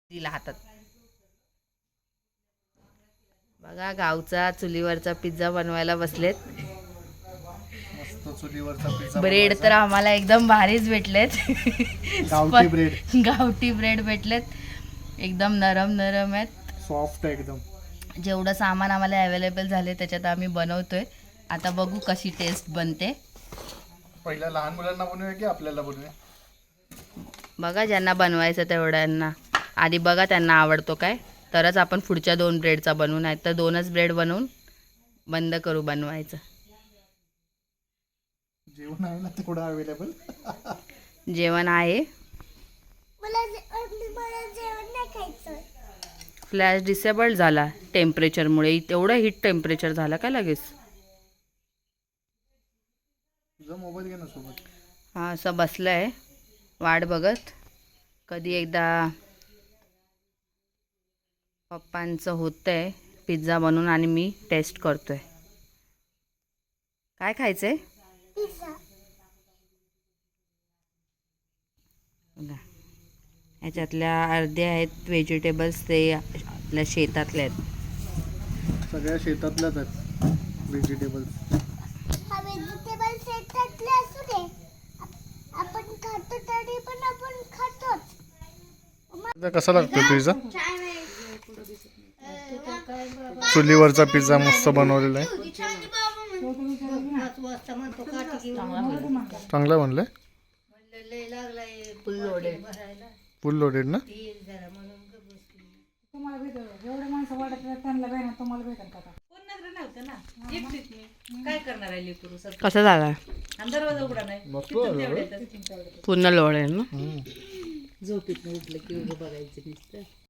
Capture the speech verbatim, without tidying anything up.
दिला हातात. बघा गावचा चुलीवरचा पिझ्झा बनवायला बसलेत. मस्त चुलीवरचा पिझ्झा. ब्रेड तर आम्हाला एकदम भारीच भेटलेत. गावठी ब्रेड. गावठी ब्रेड भेटलेत. एकदम नरम नरम आहेत, सॉफ्ट एकदम. जेवढं सामान आम्हाला अवेलेबल झाले त्याच्यात आम्ही बनवतोय. आता बघू कशी टेस्ट बनते. पहिल्या लहान मुलांना बनवूया की आपल्याला बनवूया? बघा ज्यांना बनवायचं तेवढ्यांना आधी बघा त्यांना आवडतो काय, तरच आपण पुढच्या दोन ब्रेडचा बनवू, नाही तर दोनच ब्रेड बनवून बंद करू बनवायचं. जेवण आहे ना तेवढं अवेलेबल? जेवण आहे. फ्लॅश डिसेबल झाला टेम्परेचरमुळे. तेवढं हीट टेम्परेचर झालं काय लगेच. तुझा मोबाईल घे ना सोबत. हा असं बसलंय वाट बघत कधी एकदा पप्पांचं होतंय पिझ्झा बनवून आणि मी टेस्ट करतोय. काय खायचंय? ह्याच्यातल्या अर्ध्या आहेत व्हेजिटेबल्स, ते आपल्या शेतातल्या आहेत. सगळ्या शेतातल्याच आहेत व्हेजिटेबल्स. व्हेजिटेबल शेतातले असू दे, आपण खातो तरी पण आपण खातोच. कसा लागतो पिझ्झा? चुलीवरचा पिझ्झा मस्त बनवलेला आहे. चांगला बनलाय. फुल लोडेड ना. कसं झालं? पूर्ण लोड आहे ना. झोपेत उठलं की बघायचं नुसतं.